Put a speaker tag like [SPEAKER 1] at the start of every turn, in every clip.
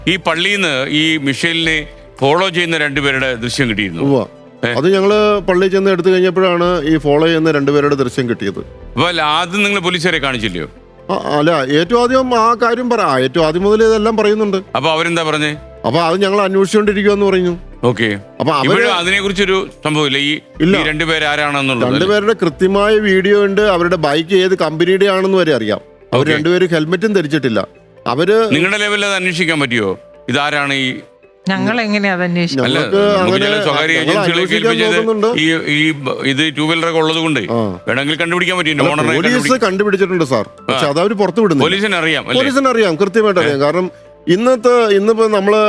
[SPEAKER 1] ഈ പള്ളിയിൽ നിന്ന് ഈ മിഷേലിനെ ഫോളോ ചെയ്യുന്ന രണ്ടുപേരുടെ ദൃശ്യം കിട്ടിയിരുന്നു.
[SPEAKER 2] അത് ഞങ്ങള് പള്ളിയിൽ ചെന്ന് എടുത്തു കഴിഞ്ഞപ്പോഴാണ് ഈ ഫോളോ ചെയ്യുന്ന രണ്ടുപേരുടെ ദൃശ്യം കിട്ടിയത്.
[SPEAKER 1] അപ്പൊ ആദ്യം നിങ്ങൾ പോലീസുകാരെ കാണിച്ചില്ലയോ?
[SPEAKER 2] അല്ല, ഏറ്റവും ആദ്യം ആ കാര്യം ഏറ്റവും ആദ്യം മുതൽ ഇതെല്ലാം പറയുന്നുണ്ട്.
[SPEAKER 1] അപ്പൊ അവരെന്താ പറഞ്ഞേ?
[SPEAKER 2] അപ്പൊ അത് ഞങ്ങൾ അന്വേഷിച്ചുകൊണ്ടിരിക്കുവെന്ന് പറഞ്ഞു.
[SPEAKER 1] ഓക്കെ. അപ്പൊ അതിനെ കുറിച്ചൊരു സംഭവമില്ല. ഈ രണ്ടുപേര് ആരാണെന്നുള്ളത്
[SPEAKER 2] രണ്ടുപേരുടെ കൃത്യമായ വീഡിയോ ഉണ്ട്. അവരുടെ ബൈക്ക് ഏത് കമ്പനിയുടെ ആണെന്ന് വരെ അറിയാം. അവർ രണ്ടുപേരും ഹെൽമെറ്റും ധരിച്ചിട്ടില്ല. അവര് നിങ്ങളുടെ
[SPEAKER 1] ലെവലിൽ അത് അന്വേഷിക്കാൻ പറ്റുമോ? ഇതാരാണ് ഈ
[SPEAKER 3] ഞങ്ങൾ എങ്ങനെയാ
[SPEAKER 1] സ്വകാര്യ ഏജൻസികളൊക്കെ ഇത് ടൂ വീലറൊക്കെ ഉള്ളത് കൊണ്ട് വേണമെങ്കിൽ കണ്ടുപിടിക്കാൻ പറ്റും.
[SPEAKER 2] പോലീസ് കണ്ടുപിടിച്ചിട്ടുണ്ട് സാർ. പക്ഷെ അത് അവർ പുറത്തു വിടുന്നു.
[SPEAKER 1] പോലീസിന്
[SPEAKER 2] അറിയാം, കൃത്യമായിട്ട് അറിയാം. കാരണം ഇന്നിപ്പോ നമ്മള്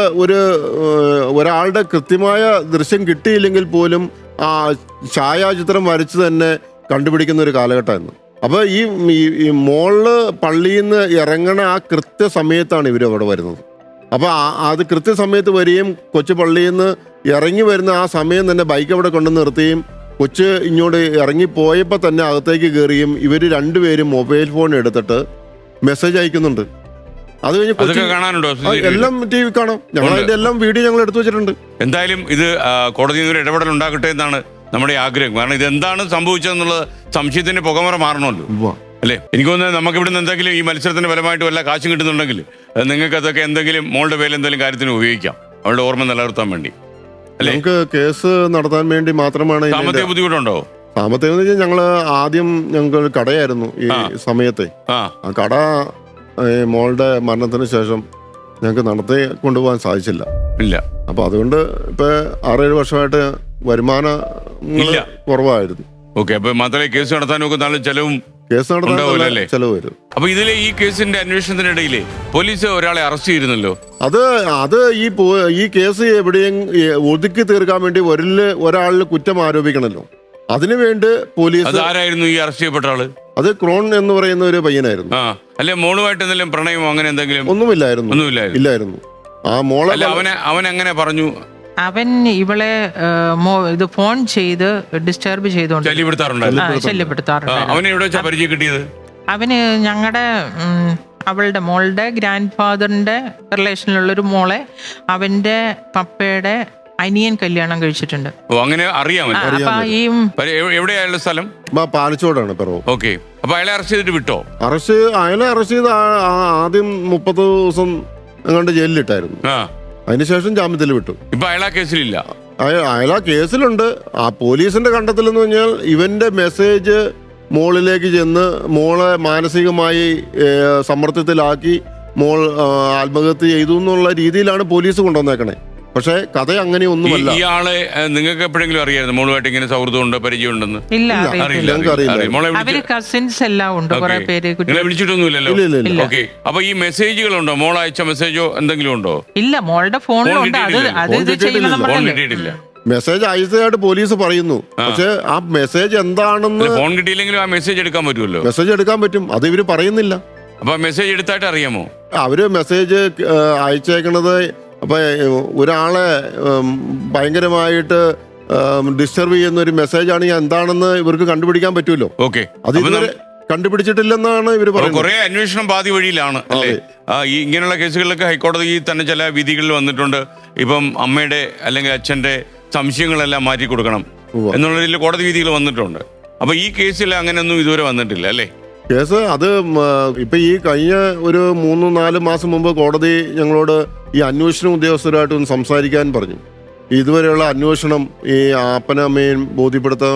[SPEAKER 2] ഒരാളുടെ കൃത്യമായ ദൃശ്യം കിട്ടിയില്ലെങ്കിൽ പോലും ആ ഛായാചിത്രം വരച്ച് തന്നെ കണ്ടുപിടിക്കുന്ന ഒരു കാലഘട്ടമായിരുന്നു. അപ്പൊ ഈ മോളില് പള്ളിയിൽ നിന്ന് ഇറങ്ങണ ആ കൃത്യസമയത്താണ് ഇവർ അവിടെ വരുന്നത്. അപ്പൊ അത് കൃത്യസമയത്ത് വരികയും കൊച്ചു പള്ളിയിൽ നിന്ന് ഇറങ്ങി വരുന്ന ആ സമയം തന്നെ ബൈക്ക് അവിടെ കൊണ്ടു നിർത്തുകയും കൊച്ച് ഇങ്ങോട്ട് ഇറങ്ങിപ്പോയപ്പോൾ തന്നെ അകത്തേക്ക് കയറിയും ഇവർ രണ്ടുപേരും മൊബൈൽ ഫോൺ എടുത്തിട്ട് മെസ്സേജ് അയക്കുന്നുണ്ട്. അത് കഴിഞ്ഞ് എല്ലാം TV കാണാം. ഞങ്ങൾ അതിന്റെ എല്ലാം വീഡിയോ ഞങ്ങൾ എടുത്തു വെച്ചിട്ടുണ്ട്.
[SPEAKER 1] എന്തായാലും ഇത് കോടതിയിൽ നിന്ന് ഇടപെടൽ ഉണ്ടാകട്ടെ എന്നാണ് നമ്മുടെ ആഗ്രഹം. കാരണം ഇത് എന്താണ് സംഭവിച്ചതെന്നുള്ളത് സംശയത്തിന്റെ പുകമറ മാറണമല്ലോ, അല്ലേ? എനിക്ക് തോന്നുന്നത് നമുക്ക് ഇവിടുന്ന് എന്തെങ്കിലും ഈ മത്സരത്തിന്റെ ഫലമായിട്ട് വല്ല കാശും കിട്ടുന്നുണ്ടെങ്കിൽ നിങ്ങൾക്ക് അതൊക്കെ എന്തെങ്കിലും മോളുടെ പേരിൽ എന്തെങ്കിലും കാര്യത്തിന് ഉപയോഗിക്കാം, അവളുടെ ഓർമ്മ നിലനിർത്താൻ വേണ്ടി, അല്ലേ?
[SPEAKER 2] നമുക്ക് കേസ് നടത്താൻ വേണ്ടി മാത്രമാണ്.
[SPEAKER 1] സാമ്പത്തിക ബുദ്ധിമുട്ടുണ്ടോ?
[SPEAKER 2] സാമ്പത്തികം എന്ന് വെച്ചാൽ ഞങ്ങള് ആദ്യം ഞങ്ങൾക്ക് കടയായിരുന്നു ഈ സമയത്തെ. ആ കട മോളുടെ മരണത്തിന് ശേഷം ഞങ്ങൾക്ക് നടത്തി കൊണ്ടുപോകാൻ സാധിച്ചില്ല. അപ്പൊ അതുകൊണ്ട് ഇപ്പൊ 6-7 വർഷമായിട്ട് വരുമാനം കുറവായിരുന്നു.
[SPEAKER 1] ഓക്കെ. അപ്പൊ മാത്രമേ കേസ് നടത്താനൊക്കെ നല്ല ചെലവും
[SPEAKER 2] ചെലവ് വരും.
[SPEAKER 1] അപ്പൊ ഇതിലെ ഈ കേസിന്റെ അന്വേഷണത്തിനിടയില് പോലീസ് ഒരാളെ അറസ്റ്റ് ചെയ്തിരുന്നല്ലോ.
[SPEAKER 2] അത് ഈ കേസ് എവിടെയും ഒതുക്കി തീർക്കാൻ വേണ്ടി ഒരാളിൽ കുറ്റം ആരോപിക്കണല്ലോ. അതിനുവേണ്ടി പോലീസ്.
[SPEAKER 1] ആരായിരുന്നു ഈ അറസ്റ്റ് ചെയ്യപ്പെട്ട ആള്?
[SPEAKER 2] അത് ക്രോൺ എന്ന് പറയുന്ന ഒരു പയ്യനായിരുന്നു.
[SPEAKER 1] അല്ലെ മോളുമായിട്ട് എന്തെങ്കിലും പ്രണയമോ അങ്ങനെ എന്തെങ്കിലും?
[SPEAKER 2] ഒന്നുമില്ലായിരുന്നു. ആ മോളെ
[SPEAKER 1] അവൻ എങ്ങനെ പറഞ്ഞു?
[SPEAKER 3] അവൻ ഇവളെ ഇത് ഫോൺ ചെയ്ത് ഡിസ്റ്റർബ് ചെയ്തോണ്ട്
[SPEAKER 1] ശല്യപ്പെടുത്താറുണ്ട്.
[SPEAKER 3] അവന് ഞങ്ങളുടെ അവളുടെ മോളുടെ ഗ്രാൻഡ് ഫാദറിന്റെ റിലേഷനിലുള്ളൊരു മോളെ അവന്റെ പപ്പയുടെ അനിയൻ കല്യാണം കഴിച്ചിട്ടുണ്ട്.
[SPEAKER 1] അങ്ങനെ അറിയാമല്ലോ. എവിടെയായുള്ള സ്ഥലം?
[SPEAKER 2] പാലച്ചോടാണ്.
[SPEAKER 1] ഓക്കെ. അപ്പൊ അയാളെ അറസ്റ്റ് ചെയ്തിട്ട് വിട്ടോ?
[SPEAKER 2] അയാളെ അറസ്റ്റ് ചെയ്ത് ആദ്യം 30 ദിവസം അങ്ങോട്ട് ജയിലിലിട്ടായിരുന്നു. അതിനുശേഷം ജാമ്യത്തിൽ വിട്ടു.
[SPEAKER 1] ഇപ്പൊ അയാളാ കേസിലില്ല.
[SPEAKER 2] അയാളാ കേസിലുണ്ട്. ആ പോലീസിന്റെ കണ്ടെത്തൽ എന്ന് പറഞ്ഞാൽ ഇവന്റെ മെസ്സേജ് മോളിലേക്ക് ചെന്ന് മോളെ മാനസികമായി സമ്മർദ്ദത്തിലാക്കി മോൾ ആത്മഹത്യ ചെയ്തു എന്നുള്ള രീതിയിലാണ് പോലീസ് കൊണ്ടുവന്നേക്കണേ. പക്ഷെ കഥ അങ്ങനെയൊന്നുമല്ല.
[SPEAKER 1] ഇയാളെ നിങ്ങൾക്ക് എപ്പോഴെങ്കിലും അറിയായിരുന്നു മോളുമായിട്ട് ഇങ്ങനെ സൗഹൃദമുണ്ട്, പരിചയമുണ്ടെന്ന്?
[SPEAKER 3] വിളിച്ചിട്ടൊന്നുമില്ലല്ലോ.
[SPEAKER 1] ഓക്കെ. അപ്പൊ ഈ മെസ്സേജുകളുണ്ടോ? മോൾ അയച്ച മെസ്സേജോ എന്തെങ്കിലും ഉണ്ടോ?
[SPEAKER 3] ഇല്ല, മോളുടെ ഫോണിലുണ്ട്.
[SPEAKER 2] മെസ്സേജ് അയച്ചതായിട്ട് പോലീസ് പറയുന്നു. പക്ഷെ ആ മെസ്സേജ് എന്താണെന്ന്
[SPEAKER 1] ഫോൺ കിട്ടിയില്ലെങ്കിലും ആ മെസ്സേജ് എടുക്കാൻ പറ്റുമല്ലോ.
[SPEAKER 2] മെസ്സേജ് എടുക്കാൻ പറ്റും. അത് ഇവര് പറയുന്നില്ല.
[SPEAKER 1] അപ്പൊ മെസ്സേജ് എടുത്തായിട്ട് അറിയാമോ?
[SPEAKER 2] അവര് മെസ്സേജ് അയച്ചേക്കണത് അപ്പൊ ഒരാളെ ഭയങ്കരമായിട്ട് ഡിസ്റ്റർബ് ചെയ്യുന്ന ഒരു മെസ്സേജ് ആണെങ്കിൽ എന്താണെന്ന് ഇവർക്ക് കണ്ടുപിടിക്കാൻ പറ്റുമല്ലോ.
[SPEAKER 1] ഓക്കെ.
[SPEAKER 2] അത് ഇതുവരെ കണ്ടുപിടിച്ചിട്ടില്ലെന്നാണ് ഇവർ പറയുന്നത്.
[SPEAKER 1] കുറെ അന്വേഷണം പാതി വഴിയിലാണ്, അല്ലേ? ഈ ഇങ്ങനെയുള്ള കേസുകളിലൊക്കെ ഹൈക്കോടതി തന്നെ ചില വിധികളിൽ വന്നിട്ടുണ്ട്. ഇപ്പം അമ്മയുടെ അല്ലെങ്കിൽ അച്ഛന്റെ സംശയങ്ങളെല്ലാം മാറ്റി കൊടുക്കണം എന്നുള്ള രീതിയിൽ കോടതി വിധികൾ വന്നിട്ടുണ്ട്. അപ്പൊ ഈ കേസിൽ അങ്ങനെയൊന്നും ഇതുവരെ വന്നിട്ടില്ല, അല്ലേ?
[SPEAKER 2] കേസ് അത് ഇപ്പൊ ഈ കഴിഞ്ഞ ഒരു 3-4 മാസം മുമ്പ് കോടതി ഞങ്ങളോട് ഈ അന്വേഷണ ഉദ്യോഗസ്ഥരുമായിട്ട് ഒന്ന് സംസാരിക്കാൻ പറഞ്ഞു. ഇതുവരെയുള്ള അന്വേഷണം ഈ അപ്പനമ്മയും ബോധ്യപ്പെടുത്താൻ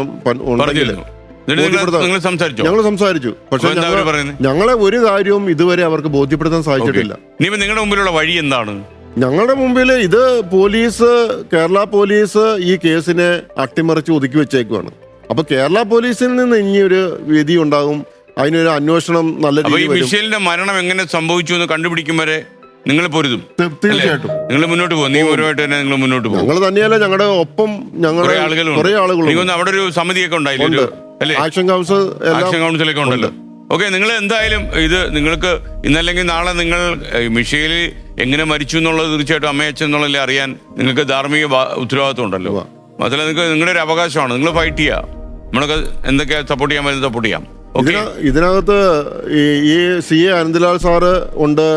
[SPEAKER 2] ഞങ്ങൾ സംസാരിച്ചു. പക്ഷെ ഞങ്ങളെ ഒരു കാര്യവും ഇതുവരെ അവർക്ക് ബോധ്യപ്പെടുത്താൻ സാധിച്ചിട്ടില്ല.
[SPEAKER 1] നിങ്ങളുടെ മുമ്പിലുള്ള വഴി എന്താണ്?
[SPEAKER 2] ഞങ്ങളുടെ മുമ്പിൽ ഇത് കേരള പോലീസ് ഈ കേസിനെ അട്ടിമറിച്ച് ഒതുക്കി വെച്ചേക്കുവാണ്. അപ്പൊ കേരള പോലീസിൽ നിന്ന് ഇനിയൊരു വിധി ഉണ്ടാകും. അതിനൊരു അന്വേഷണം നല്ല രീതിയിൽ.
[SPEAKER 1] മിഷേലിന്റെ മരണം എങ്ങനെ സംഭവിച്ചു എന്ന് കണ്ടുപിടിക്കും വരെ നിങ്ങൾ പൊരുതും.
[SPEAKER 2] തീർച്ചയായിട്ടും
[SPEAKER 1] നിങ്ങൾ മുന്നോട്ട് പോകും. നിയമപരമായിട്ട് തന്നെ നിങ്ങൾ മുന്നോട്ട് പോകും.
[SPEAKER 2] ഞങ്ങൾ തന്നെയല്ല, ഞങ്ങളുടെ ഒപ്പം കുറെ ആളുകൾ
[SPEAKER 1] അവിടെ ഒരു സമിതിയൊക്കെ ഉണ്ടായില്ലേ?
[SPEAKER 2] ആക്ഷൻ കൗൺസിലൊക്കെ
[SPEAKER 1] ഉണ്ടല്ലോ. ഓക്കെ. നിങ്ങൾ എന്തായാലും ഇത് നിങ്ങൾക്ക് ഇന്നല്ലെങ്കിൽ നാളെ നിങ്ങൾ മിഷേല് എങ്ങനെ മരിച്ചു എന്നുള്ളത് തീർച്ചയായിട്ടും അമ്മയച്ഛൻ എന്നുള്ളതിൽ അറിയാൻ നിങ്ങൾക്ക് ധാർമ്മിക ഉത്തരവാദിത്വം ഉണ്ടല്ലോ. മാത്രമല്ല നിങ്ങൾക്ക് നിങ്ങളുടെ ഒരു അവകാശമാണ്. നിങ്ങൾ ഫൈറ്റ് ചെയ്യുക. നമ്മളൊക്കെ എന്തൊക്കെ സപ്പോർട്ട് ചെയ്യാൻ പറ്റും സപ്പോർട്ട് ചെയ്യാം.
[SPEAKER 2] ഇതിനകത്ത് ഈ CA അനന്ത്ലാൽ സാറ് ഉണ്ട്,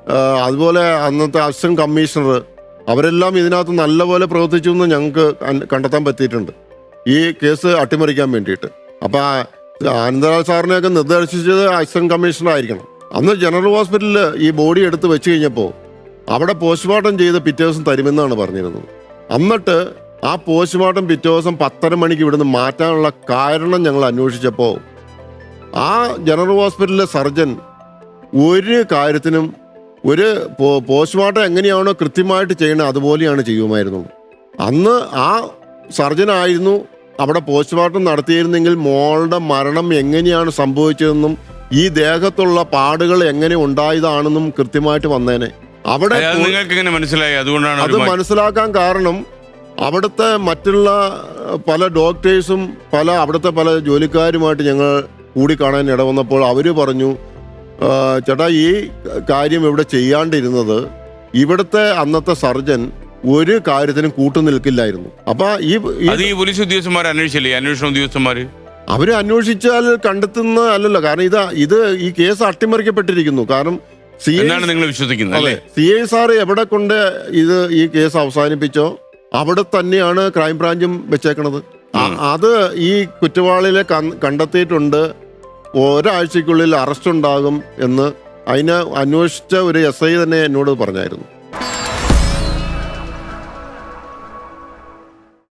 [SPEAKER 2] അതുപോലെ അന്നത്തെ അസിസ്റ്റന്റ് കമ്മീഷണർ അവരെല്ലാം ഇതിനകത്ത് നല്ലപോലെ പ്രവർത്തിച്ചു എന്ന് ഞങ്ങൾക്ക് കണ്ടെത്താൻ പറ്റിയിട്ടുണ്ട് ഈ കേസ് അട്ടിമറിക്കാൻ വേണ്ടിയിട്ട്. അപ്പം ആനന്ദലാൽ സാറിനെയൊക്കെ നിർദ്ദേശിച്ചത് അസിസ്റ്റന്റ് കമ്മീഷണർ ആയിരിക്കണം. അന്ന് ജനറൽ ഹോസ്പിറ്റലിൽ ഈ ബോഡി എടുത്ത് വെച്ച് കഴിഞ്ഞപ്പോൾ അവിടെ പോസ്റ്റ്മോർട്ടം ചെയ്ത് പിറ്റേ ദിവസം തരുമെന്നാണ് പറഞ്ഞിരുന്നത്. എന്നിട്ട് ആ പോസ്റ്റ്മോർട്ടം പിറ്റേ ദിവസം 10:30 മണിക്ക് ഇവിടുന്ന് മാറ്റാനുള്ള കാരണം ഞങ്ങൾ അന്വേഷിച്ചപ്പോൾ ആ ജനറൽ ഹോസ്പിറ്റലിലെ സർജൻ ഒരു കാര്യത്തിനും ഒരു പോസ്റ്റ്മോർട്ടം എങ്ങനെയാണോ കൃത്യമായിട്ട് ചെയ്യണത് അതുപോലെയാണ് ചെയ്യുമായിരുന്നു. അന്ന് ആ സർജനായിരുന്നു അവിടെ പോസ്റ്റ്മോർട്ടം നടത്തിയിരുന്നെങ്കിൽ മോളുടെ മരണം എങ്ങനെയാണ് സംഭവിച്ചതെന്നും ഈ ദേഹത്തുള്ള പാടുകൾ എങ്ങനെ ഉണ്ടായതാണെന്നും കൃത്യമായിട്ട് വന്നേനെ. അവിടെ
[SPEAKER 1] നിങ്ങൾക്ക് എങ്ങനെ മനസ്സിലായി? അതുകൊണ്ടാണ്
[SPEAKER 2] അത് മനസ്സിലാക്കാൻ കാരണം അവിടുത്തെ മറ്റുള്ള പല ഡോക്ടേഴ്സും അവിടുത്തെ പല ജോലിക്കാരുമായിട്ട് ഞങ്ങൾ കൂടിക്കാണാൻ ഇടവന്നപ്പോൾ അവർ പറഞ്ഞു, ചേട്ടാ ഈ കാര്യം ഇവിടെ ചെയ്യാണ്ടിരുന്നത് ഇവിടുത്തെ അന്നത്തെ സർജൻ ഒരു കാര്യത്തിനും കൂട്ടുനിൽക്കില്ലായിരുന്നു. അപ്പൊ ഈ
[SPEAKER 1] പോലീസ് ഉദ്യോഗസ്ഥന്മാർ അന്വേഷിച്ചില്ലേ? അന്വേഷണ ഉദ്യോഗസ്ഥന്മാര്
[SPEAKER 2] അവര് അന്വേഷിച്ചാൽ കണ്ടെത്തുന്ന അല്ലല്ലോ. കാരണം ഇത് ഈ കേസ് അട്ടിമറിക്കപ്പെട്ടിരിക്കുന്നു. കാരണം
[SPEAKER 1] നിങ്ങൾ വിശ്വസിക്കുന്നത് അല്ലേ?
[SPEAKER 2] CI സാറ് എവിടെ കൊണ്ട് ഈ കേസ് അവസാനിപ്പിച്ചോ അവിടെ തന്നെയാണ് ക്രൈംബ്രാഞ്ചും വെച്ചേക്കണത്. അത് ഈ കുറ്റവാളികളെ കണ്ടെത്തിയിട്ടുണ്ട്, ഒരാഴ്ചക്കുള്ളിൽ അറസ്റ്റ് ഉണ്ടാകും എന്ന് അതിനെ അന്വേഷിച്ച ഒരു SI തന്നെ എന്നോട് പറഞ്ഞായിരുന്നു.